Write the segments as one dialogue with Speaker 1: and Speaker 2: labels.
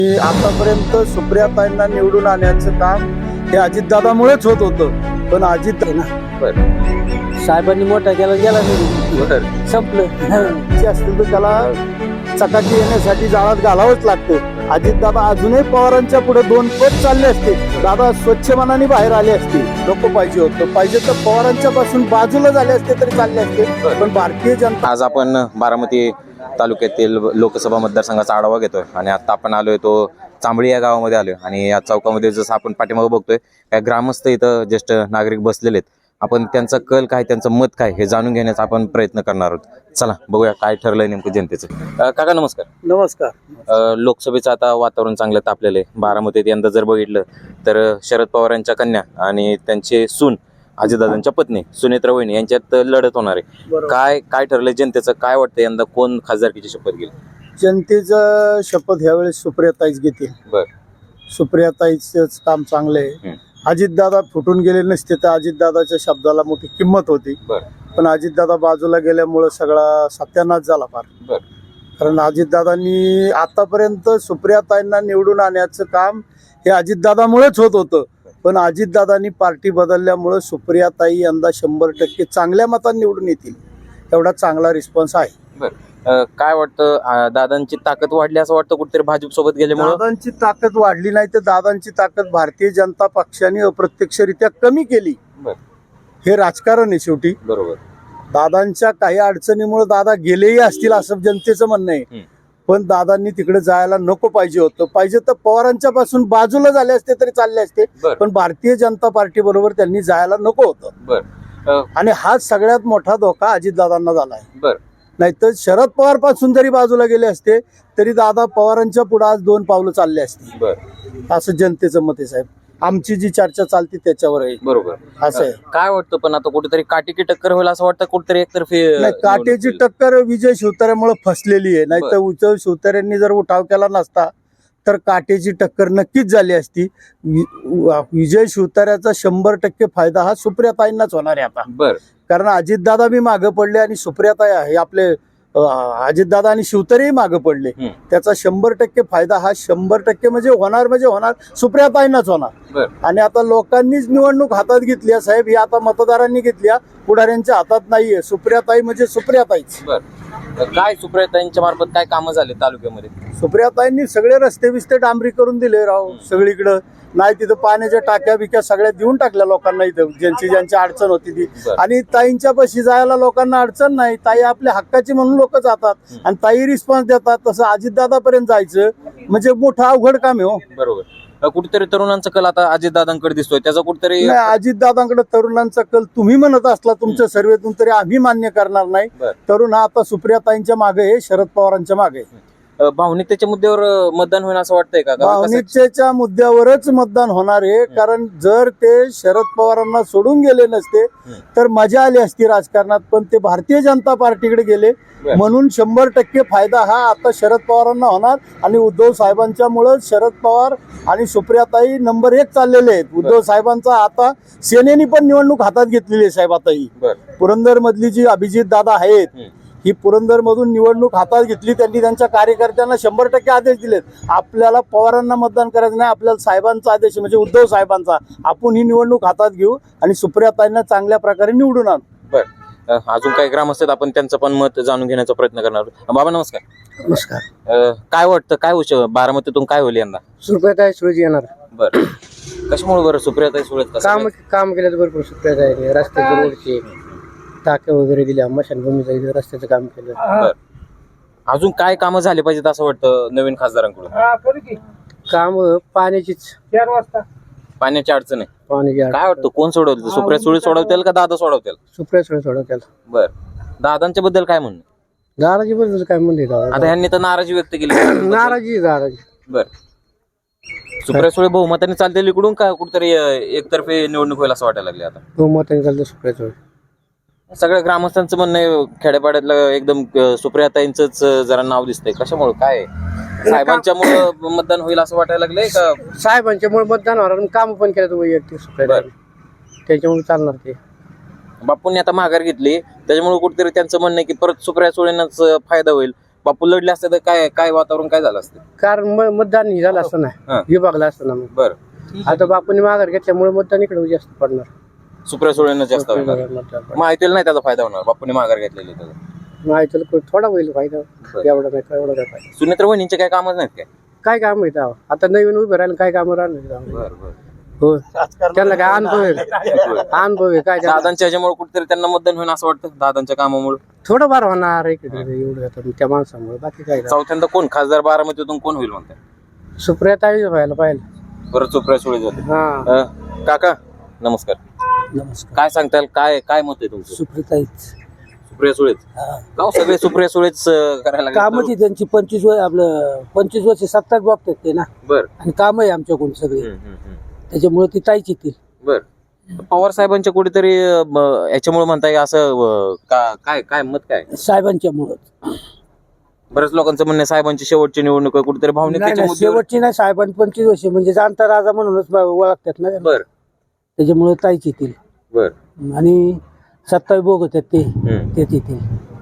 Speaker 1: आतापर्यंत सुप्रियाताईंना निवडून आणण्याचं काम हे अजितदादामुळेच होत होतं, पण अजित
Speaker 2: साहेबांनी मोठा केला गेला नाही, संपलं.
Speaker 1: जे असतील तर त्याला चकाकी येण्यासाठी जाळात घालावंच लागतं. अजितदादा अजूनही पवारांच्या पुढे 2 पट चालले असते, दादा स्वच्छ मनाने बाहेर आले असते. नको पाहिजे होतं, पाहिजे तर पवारांच्या पासून बाजूला झाले असते तरी चालले असते. पण भारतीय जनता
Speaker 3: आज आपण बारामती तालुक्यातील लोकसभा मतदारसंघाचा आढावा घेतोय आणि आता आपण आलोय तो चांबळी या गावामध्ये आलोय आणि या चौकामध्ये जसं आपण पाठीमागे बघतोय काय ग्रामस्थ इथं ज्येष्ठ नागरिक बसलेले आहेत. आपण त्यांचा कल काय, त्यांचं मत काय हे जाणून घेण्याचा आपण प्रयत्न करणार आहोत. चला बघूया काय ठरलंय नेमकं जनतेचं. काका नमस्कार.
Speaker 1: नमस्कार.
Speaker 3: लोकसभेचं आता वातावरण चांगलं तापलेलं आहे. बारामतीत यंदा जर बघितलं तर शरद पवारांच्या कन्या आणि त्यांचे सून अजितदादांच्या पत्नी सुनेत्रा वहिनी यांच्यात लढत होणार आहे. काय ठरलंय जनतेचं, काय वाटतं यंदा कोण खासदारकीची शपथ घेईल?
Speaker 1: जनतेचं शपथ ह्यावेळेस सुप्रियाताईच घेतील.
Speaker 3: बर.
Speaker 1: सुप्रियाताईच काम चांगलं आहे. अजितदादा फुटून गेले नसते तर अजितदादाच्या शब्दाला मोठी किंमत होती. पण अजितदादा बाजूला गेल्यामुळं सगळा सत्यानाश झाला फार. कारण अजितदादांनी आतापर्यंत सुप्रियाताईंना निवडून आणण्याचं काम हे अजितदादामुळेच होत होतं, पण अजितदादांनी पार्टी बदलल्यामुळं सुप्रियाताई यंदा 100% चांगल्या मतांनी निवडून येतील. एवढा चांगला रिस्पॉन्स आहे.
Speaker 3: काय वाटतं, दादांची ताकद वाढली असं वाटतं कुठेतरी भाजप सोबत गेल्यामुळे?
Speaker 1: दादांची ताकद वाढली नाही तर दादांची ताकद भारतीय जनता पक्षाने अप्रत्यक्षरित्या कमी केली. हे राजकारण आहे शेवटी.
Speaker 3: बरोबर.
Speaker 1: दादांच्या काही अडचणीमुळे दादा गेलेही असतील असं जनतेचं म्हणणं आहे. पण दादांनी तिकडे जायला नको पाहिजे होतं, पाहिजे तर पवारांच्या पासून बाजूला झाले असते तरी चालले असते. पण भारतीय जनता पार्टी बरोबर त्यांनी जायला नको होतं. आणि हा सगळ्यात मोठा धोका अजितदादांना झाला आहे. नाहीतर शरद पवार पासून जरी बाजूला गेले असते तरी दादा पवारांच्या पुढे आज 2 पावलं चालले असते. असं जनतेचं मत आहे साहेब. आमची जी चर्चा चालते त्याच्यावर आहे.
Speaker 3: बरोबर.
Speaker 1: असं आहे.
Speaker 3: काय वाटतं पण आता कुठेतरी काटेकी टक्कर होईल असं वाटतं कुठेतरी एकतर्फी?
Speaker 1: नाही, काटेची टक्कर विजय शिवतारेमुळे फसलेली आहे. नाहीतर उद्धव शिवतारेंनी जर उठाव केला नसता तर काटेची टक्कर नक्कीच झाली असती. विजय शिवतारेचा 100% फायदा हा सुप्रियाताईंनाच होणार आहे आता. कारण अजितदादा बी मागे पडले आणि सुप्रियाताई आहे आपले अजितदादा आणि शिवतारेही मागे पडले. त्याचा 100% फायदा हा 100% म्हणजे होणार सुप्रियाताईंनाच होणार. आणि आता लोकांनीच निवडणूक हातात घेतली आहे साहेब. ही आता मतदारांनी घेतली, पुढाऱ्यांच्या हातात नाहीये. सुप्रियाताई म्हणजे सुप्रियाताईच.
Speaker 3: काय सुप्रियाताईंच्या मार्फत काय कामं झाले तालुक्यामध्ये?
Speaker 1: सुप्रियाताईंनी सगळे रस्ते बिस्ते डांबरी करून दिले राव सगळीकडं. नाही तिथं पाण्याच्या टाक्या बिक्या सगळ्या देऊन टाकल्या लोकांना इथं ज्यांची अडचण होती ती. आणि ताईंच्या पाशी जायला लोकांना अडचण नाही. ताई आपल्या हक्काची म्हणून लोक जातात आणि ताई रिस्पॉन्स देतात. तसं अजितदादापर्यंत जायचं म्हणजे मोठं अवघड काम आहे. हो
Speaker 3: बरोबर. कुठेतरी तरुणांचा कल आता अजितदादांकडे दिसतोय, त्याचा कुठेतरी?
Speaker 1: नाही, अजितदादांकडे तरुणांचा कल तुम्ही म्हणत असला तुमच्या सर्वेतून तरी आम्ही मान्य करणार नाही. तरुण हा आता सुप्रियाताईंच्या मागे आहे, शरद पवारांच्या मागे आहे.
Speaker 3: भावनिकतेच्या मुद्द्यावर मतदान होईल असं वाटतंय का?
Speaker 1: भावनिकतेच्या मुद्द्यावरच मतदान होणार आहे. कारण जर ते शरद पवारांना सोडून गेले नसते तर मजा आली असती राजकारणात. पण ते भारतीय जनता पार्टीकडे गेले म्हणून 100% फायदा हा आता शरद पवारांना होणार. आणि उद्धव साहेबांच्या मुळे शरद पवार आणि सुप्रियाताई नंबर 1 चाललेले आहेत. उद्धव साहेबांचा आता सेनेनी पण निवडणूक हातात घेतलेली आहे साहेब. आता ही पुरंदर मधली जी अभिजित दादा आहेत ही पुरंदर मधून निवडणूक हातात घेतली. त्यांनी त्यांच्या कार्यकर्त्यांना 100% आदेश दिलेत. आपल्याला पवारांना मतदान करायचं नाही, आपल्याला साहेबांचा आदेश म्हणजे उद्धव साहेबांचा. आपण ही निवडणूक हातात घेऊ आणि सुप्रियाताईंना चांगल्या प्रकारे निवडून आणू.
Speaker 3: अजून काही ग्रामस्थ आपण त्यांचं पण मत जाणून घेण्याचा प्रयत्न करणार. बाबा नमस्कार.
Speaker 2: नमस्कार.
Speaker 3: काय वाटतं, काय बारामतीतून काय होईल यंदा?
Speaker 2: सुप्रियाताई सुळेच येणार.
Speaker 3: बरं. कशामुळे बरं सुप्रियाताई सुळेच?
Speaker 2: काम केलं भरपूर सुप्रियाताई. रस्त्याचे, रोडचे, टाक्या वगैरे दिल्या, मशानभूमीचं रस्त्याचं काम केलं.
Speaker 3: अजून काय कामं झाले पाहिजेत असं वाटतं नवीन खासदारांकडून?
Speaker 2: काम पाण्याचीच.
Speaker 1: 4 वाजता
Speaker 3: पाण्याची अडचण आहे.
Speaker 2: पाण्याची
Speaker 3: काय वाटतं कोण सोडवतील? सुप्रिया सुळे सोडवतील का दादा सोडवतील?
Speaker 2: सुप्रिया सुळे सोडवतील.
Speaker 3: बर. दादांच्या बद्दल काय म्हणणं?
Speaker 2: दादाजी बद्दल काय म्हणते?
Speaker 3: आता ह्यांनी तर नाराजी व्यक्त केली.
Speaker 2: दादाजी. बर.
Speaker 3: सुप्रिया सुळे बहुमताने चालतील इकडून का कुठेतरी एकतर्फे निवडणूक होईल असं वाटायला लागले? आता
Speaker 2: बहुमताने चालतं सुप्रिया सुळे.
Speaker 3: सगळ्या ग्रामस्थांचं म्हणणं आहे खेड्यापाड्यातलं एकदम सुप्रियाताईंचंच जरा नाव दिसतंय. कशामुळे काय? साहेबांच्यामुळे मतदान होईल असं वाटायला लागलंय का?
Speaker 2: साहेबांच्यामुळे मतदान होणार. काम पण केलं वैयक्तिक सुप्रियाताई, त्याच्यामुळे चालणार ते.
Speaker 3: बापूंनी आता माघार घेतली त्याच्यामुळे कुठेतरी त्यांचं म्हणणं आहे की परत सुप्रिया सुळेंनाच फायदा होईल. बापू लढले असते तर काय काय वातावरण काय झालं असतं?
Speaker 2: कारण मतदान हे झालं असतं
Speaker 3: हा.
Speaker 2: ना विभागला असतं ना मग.
Speaker 3: बरं,
Speaker 2: आता बापूने माघार घेतल्यामुळे मतदान इकडे जास्त पडणार.
Speaker 3: सुप्रिया सुळेंना जास्त होणार.
Speaker 2: मतदान पडणार.
Speaker 3: माहितीला नाही त्याचा फायदा होणार, बापूने माघार घेतलेली त्याचा.
Speaker 2: माहिती थोडा होईल फायदा, एवढा नाही एवढा काय फायदा.
Speaker 3: सुनेत्र वहिनींचे काय कामच नाहीत काय?
Speaker 2: काय काम आहे तेव्हा? आता नवीन उभे राहिले काय काम राहिलं
Speaker 3: बरं बरं.
Speaker 2: हो त्यांना काय अनुभव आहे, अनुभव आहे काय त्यांना?
Speaker 3: दादांच्या ह्याच्यामुळे कुठेतरी त्यांना मतदान होईल असं वाटतं, दादांच्या कामामुळे.
Speaker 2: थोडंफार होणार इकडे एवढं आता त्या माणसामुळे, बाकी काय नाही.
Speaker 3: चौथ्यांदा कोण खासदार बारामतीतून कोण होईल म्हणतात?
Speaker 2: सुप्रियाताई व्हायला पाहिजे.
Speaker 3: बरं, सुप्रिया सुळे झाले.
Speaker 2: हा
Speaker 3: काका नमस्कार,
Speaker 1: नमस्कार.
Speaker 3: काय सांगताल, काय काय मत आहे तुमचं?
Speaker 1: सुप्रियाताईच
Speaker 3: सुप्रिया सुळेच का हो? सगळे सुप्रिया सुळेच करायला लागले.
Speaker 1: कामच त्यांची 25 वर्ष सत्ताच बघतात ते ना,
Speaker 3: बर
Speaker 1: आणि काम आहे आमच्याकडून सगळे, त्याच्यामुळे ती ताईच येतील.
Speaker 3: बर. पवार साहेबांच्या कुठेतरी याच्यामुळे म्हणताय असं काय काय मत काय?
Speaker 1: साहेबांच्या मुळे.
Speaker 3: बऱ्याच लोकांचं म्हणणं आहे, साहेबांची शेवटची निवडणूक आहे, कुठेतरी भावनिकतेच्या मुद्द्यावर.
Speaker 1: शेवटची नाही, साहेबांनी 25 वर्ष म्हणजे जाणता राजा म्हणूनच ओळखतात ना,
Speaker 3: बर
Speaker 1: त्याच्यामुळे ताईच येतील.
Speaker 3: बर
Speaker 1: आणि सत्तावी बोगत आहेत तेच येतील.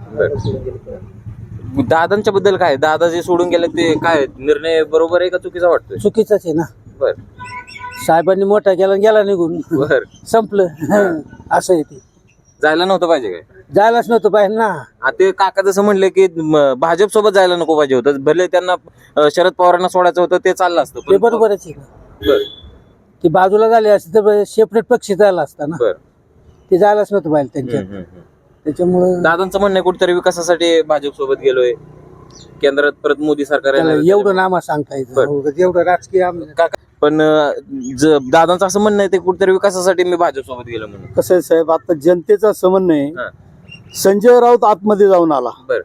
Speaker 3: दादांच्या बद्दल काय, दादा जे सोडून गेले ते काय निर्णय बरोबर आहे का चुकीचा वाटतोय?
Speaker 1: चुकीचाच आहे ना.
Speaker 3: बर
Speaker 1: साहेबांनी मोठा केला आणि गेला निघून,
Speaker 3: बर.
Speaker 1: संपलं. असं आहे ते.
Speaker 3: जायला नव्हतं पाहिजे काय?
Speaker 1: जायलाच नव्हतं पाहिजे ना.
Speaker 3: ते काका जसं म्हणले की भाजप सोबत जायला नको पाहिजे होतं, भले त्यांना शरद पवारांना सोडायचं होतं ते चाललं असतं.
Speaker 1: ते बरोबरच आहे ना.
Speaker 3: बर
Speaker 1: ती बाजूला झाली असती तर सेपरेट पक्ष झाला असता ना.
Speaker 3: बर.
Speaker 1: ते जायलाच नव्हतं पाहिजे त्यांच्या, त्याच्यामुळे
Speaker 3: दादांचं म्हणणं आहे कुठेतरी विकासासाठी भाजप सोबत गेलोय, केंद्रात परत मोदी सरकार येणार.
Speaker 1: एवढं नामा सांगता येतं, एवढं राजकीय
Speaker 3: पण दादांचं असं म्हणणं आहे ते कुठेतरी विकासासाठी मी भाजप सोबत गेलो म्हणून.
Speaker 1: कसं आहे साहेब, आता जनतेचा समन्वय आहे.
Speaker 3: हा.
Speaker 1: संजय राऊत आतमध्ये जाऊन आला,
Speaker 3: बर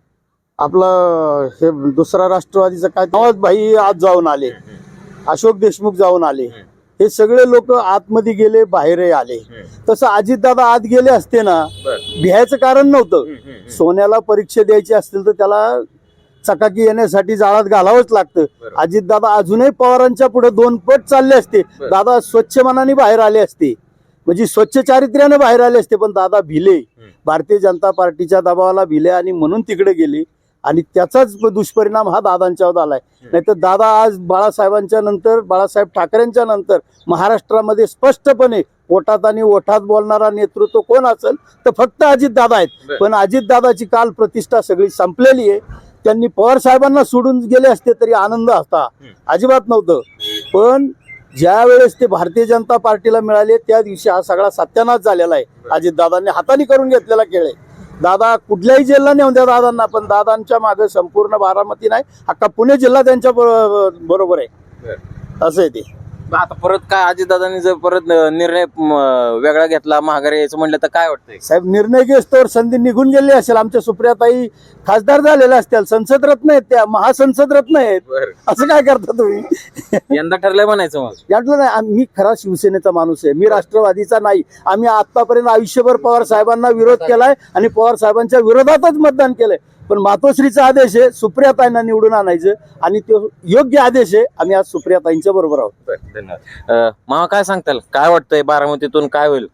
Speaker 1: आपला हे दुसरा राष्ट्रवादीचा काय नवाज भाई आत जाऊन आले, अशोक देशमुख जाऊन आले, हे सगळे लोक आतमध्ये गेले, बाहेरही आले. तसं अजितदादा आत गेले असते ना,
Speaker 3: बर.
Speaker 1: भ्यायचं कारण नव्हतं. सोन्याला परीक्षा द्यायची असतील तर त्याला चकाकी येण्यासाठी जाळात घालावंच लागतं. अजितदादा अजूनही पवारांच्या पुढे 2 पट चालले असते. दादा स्वच्छ मनाने बाहेर आले असते, म्हणजे स्वच्छ चारित्र्याने बाहेर आले असते, पण दादा भिले, भारतीय जनता पार्टीच्या दबावाला भिले आणि म्हणून तिकडे गेले. आणि त्याचाच दुष्परिणाम हा दादांच्यावर आलाय. नाहीतर दादा आज बाळासाहेबांच्या नंतर, बाळासाहेब ठाकरेंच्या नंतर महाराष्ट्रामध्ये स्पष्टपणे पोटात आणि ओठात बोलणारा नेतृत्व कोण असेल तर फक्त अजितदादा आहेत. पण अजितदादाची काल प्रतिष्ठा सगळी संपलेली आहे. त्यांनी पवार साहेबांना सोडून गेले असते तरी आनंद असता, अजिबात नव्हतं. पण ज्या वेळेस ते भारतीय जनता पार्टीला मिळाले त्या दिवशी हा सगळा सत्यानाश झालेला आहे. अजितदादांनी हाताने करून घेतलेला खेळ आहे. दादा कुठल्याही जिल्हा नेऊन द्या दादांना, पण दादांच्या मागे संपूर्ण बारामती नाही, अख्खा पुणे जिल्हा त्यांच्या बरोबर आहे. असं आहे ते.
Speaker 3: आता परत काय अजितदादांनी जर परत निर्णय वेगळा घेतला, माघारी यायचं म्हणलं तर काय वाटतंय?
Speaker 1: साहेब निर्णय घेस्तोवर संधी निघून गेली असेल. आमच्या सुप्रियाताई खासदार झालेल्या असतील, संसद रत्न आहेत, त्या महासंसद रत्न आहेत. असं काय करता तुम्ही?
Speaker 3: यंदा ठरलंय म्हणायचं मग?
Speaker 1: यातलं नाही, मी खरा शिवसेनेचा माणूस आहे, मी राष्ट्रवादीचा नाही. आम्ही आतापर्यंत आयुष्यभर पवार साहेबांना विरोध केलाय आणि पवार साहेबांच्या विरोधातच मतदान केलंय. पण मातोश्रीचा आदेश आहे सुप्रियाताईंना निवडून आणायचं, आणि तो योग्य आदेश आहे. आम्ही आज सुप्रियाताईंच्या बरोबर आहोत.
Speaker 3: धन्यवाद. मामा काय सांगताल, काय वाटतंय बारामतीतून काय होईल?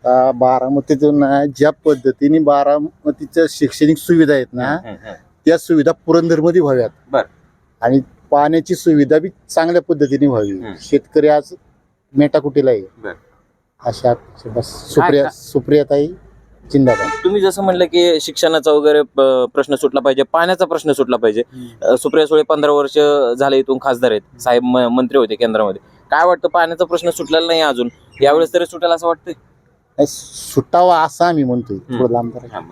Speaker 4: बारामतीतून ज्या पद्धतीने बारामतीच्या शैक्षणिक सुविधा आहेत ना, त्या सुविधा पुरंदरमध्ये व्हाव्यात.
Speaker 3: बर.
Speaker 4: आणि पाण्याची सुविधा बी चांगल्या पद्धतीने व्हावी. शेतकरी आज मेटाकुटीला आहे. अशा बस सुप्रियाताई जिंदाबाद.
Speaker 3: तुम्ही जसं म्हणलं की शिक्षणाचा वगैरे प्रश्न सुटला पाहिजे, पाण्याचा प्रश्न सुटला पाहिजे. सुप्रिया सुळे 15 वर्ष झाले इथून खासदार आहेत, साहेब मंत्री होते केंद्रामध्ये. काय वाटतं, पाण्याचा प्रश्न सुटलेला नाही अजून, यावेळेस तरी सुटेल असं वाटतंय?
Speaker 4: सुटावा असं आम्ही म्हणतोय, थोडं लांब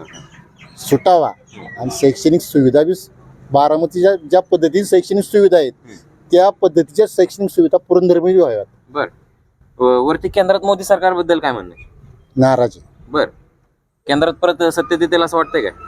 Speaker 4: सुटावा. आणि शैक्षणिक सुविधा बी बारामतीच्या ज्या पद्धतीने शैक्षणिक सुविधा आहेत त्या पद्धतीच्या शैक्षणिक सुविधा पुरंदरमध्ये व्हाव्यात.
Speaker 3: बर. वरती केंद्रात मोदी सरकारबद्दल काय म्हणणं आहे?
Speaker 4: नाराज आहे.
Speaker 3: बर. केंद्रात परत सत्तेत येतील असं वाटतंय काय?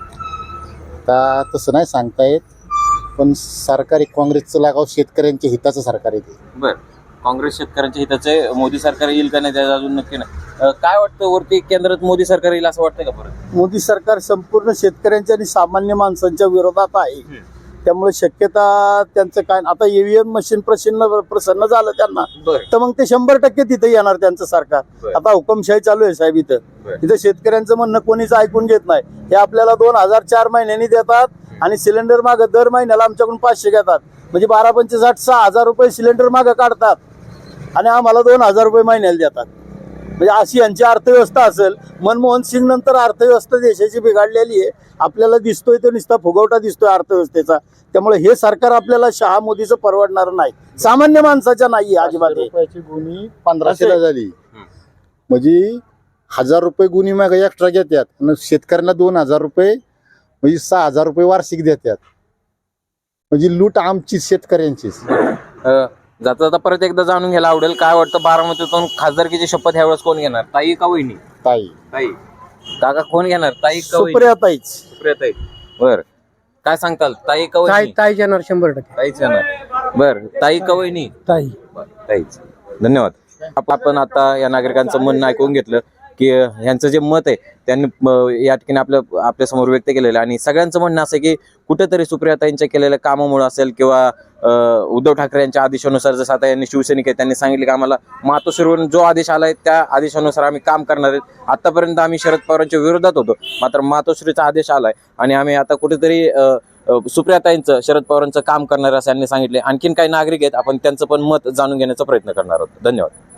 Speaker 4: आता तसं नाही सांगता येत, पण सरकार काँग्रेसचं लागाव शेतकऱ्यांच्या हिताचं सरकार आहे ते.
Speaker 3: बर. काँग्रेस शेतकऱ्यांच्या हिताचे, मोदी सरकार येईल का नाही त्याचा अजून नक्की नाही. काय वाटतं, वरती केंद्रात मोदी सरकार येईल असं वाटतंय का परत?
Speaker 1: मोदी सरकार संपूर्ण शेतकऱ्यांच्या आणि सामान्य माणसांच्या विरोधात आहे. त्यामुळे शक्यता त्यांचं काय आता ईव्हीएम मशीन प्रसन्न झालं त्यांना तर मग ते 100% तिथे येणार त्यांचं सरकार. आता हुकमशाही चालू आहे साहेब इथं शेतकऱ्यांचं म्हणणं कोणीच ऐकून घेत नाही. हे आपल्याला 2004 महिन्यांनी देतात आणि सिलेंडर मागं दर महिन्याला आमच्याकडून 500 घेतात, म्हणजे 12×5 = 6,000 रुपये सिलेंडर मागं काढतात आणि आम्हाला 2,000 रुपये महिन्याला देतात. म्हणजे अशी यांची अर्थव्यवस्था असेल. मनमोहन सिंग नंतर अर्थव्यवस्था देशाची बिघडलेली आहे. आपल्याला दिसतोय तो नुसता फुगवटा दिसतोय अर्थव्यवस्थेचा. त्यामुळे हे सरकार आपल्याला शहा मोदीचं परवडणार नाही, सामान्य माणसाच्या नाही अजिबात.
Speaker 4: रुपयाची गुन्ही 1500 झाली म्हणजे 1000 रुपये गुन्ही माग एक्स्ट्रा घेतात आणि शेतकऱ्यांना 2,000 रुपये म्हणजे 6,000 रुपये वार्षिक देतात. म्हणजे लूट आमची शेतकऱ्यांचीच.
Speaker 3: जाता जाता परत एकदा जाणून घ्यायला आवडेल, काय वाटतं बारामतीतून खासदारकीची शपथ ह्यावेळेस कोण घेणार, ताई का वहिनी?
Speaker 4: ताई.
Speaker 3: ताई. काका कोण घेणार, ताई का वहिनी?
Speaker 1: सुप्रियाताईच.
Speaker 3: सुप्रियाताई. बर, काय सांगताल, ताई का वहिनी?
Speaker 2: ताई येणार 100%.
Speaker 3: ताईच येणार. बर, ताई का वहिनी?
Speaker 2: ताई.
Speaker 3: ताईच. धन्यवाद. आपण आता या नागरिकांचं म्हणणं ऐकून घेतलं की ह्यांचं जे मत आहे त्यांनी या ठिकाणी आपल्या समोर व्यक्त केलेलं आहे आणि सगळ्यांचं म्हणणं असं की कुठेतरी सुप्रियाताईंच्या केलेल्या कामामुळे असेल किंवा उद्धव ठाकरे यांच्या आदेशानुसार, जसं आता यांनी शिवसैनिक आहेत त्यांनी सांगितले की आम्हाला मातोश्रीवरून जो आदेश आलाय त्या आदेशानुसार आम्ही काम करणार आहेत. आतापर्यंत आम्ही शरद पवारांच्या विरोधात होतो, मात्र मातोश्रीचा आदेश आलाय आणि आम्ही आता कुठेतरी सुप्रियाताईंचं, शरद पवारांचं काम करणार असं यांनी सांगितले. आणखीन काही नागरिक आहेत, आपण त्यांचं पण मत जाणून घेण्याचा प्रयत्न करणार आहोत. धन्यवाद.